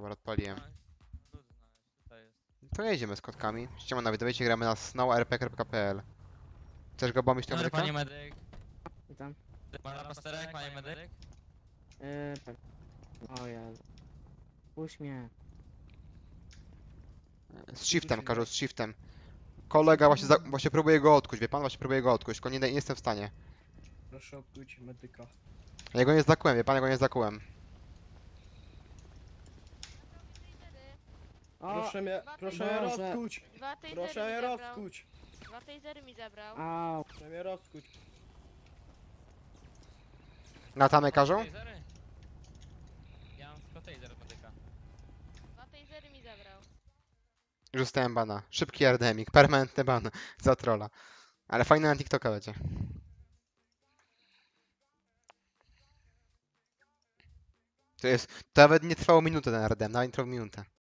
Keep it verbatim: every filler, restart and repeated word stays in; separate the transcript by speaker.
Speaker 1: Dobra, odpaliłem.
Speaker 2: No, nudno jest, tutaj jest.
Speaker 1: To jedziemy z kotkami. Ściemanowi, dawajcie gramy na snowrpg.pl. Chcesz go bombić tą
Speaker 2: Dobry
Speaker 1: Amerykę?
Speaker 2: panie medyk.
Speaker 3: Witam.
Speaker 2: Pana pasterek, panie medyk.
Speaker 3: Yy, tak. O Jezu. Puść mnie.
Speaker 1: Z shiftem, każą z shiftem. Kolega właśnie, za,
Speaker 3: Shiftem.
Speaker 1: właśnie próbuje go odkuć, wie pan? Właśnie próbuje go odkuć, tylko nie, nie jestem w stanie.
Speaker 4: Proszę obkuć medyka.
Speaker 1: Ja go nie zakułem, wie pan, ja go nie zakułem.
Speaker 3: O!
Speaker 4: Proszę mnie,
Speaker 5: Dwa
Speaker 4: proszę mnie
Speaker 3: Boże.
Speaker 4: rozkuć!
Speaker 5: Dwa tasery
Speaker 4: Proszę mnie
Speaker 5: mi zabrał.
Speaker 4: rozkuć!
Speaker 5: Dwa tasery mi zabrał.
Speaker 3: Au!
Speaker 4: Proszę mnie rozkuć!
Speaker 1: Na tamę każą?
Speaker 2: Tasery? Ja mam tylko taser od medyka.
Speaker 5: Dwa tasery mi zabrał.
Speaker 1: Już dostałem bana. Szybki ardemik, permanentny ban za trolla. Ale fajny na TikToka będzie. To jest, to nawet nie trwało minutę ten ardem, nawet nie trwał minutę.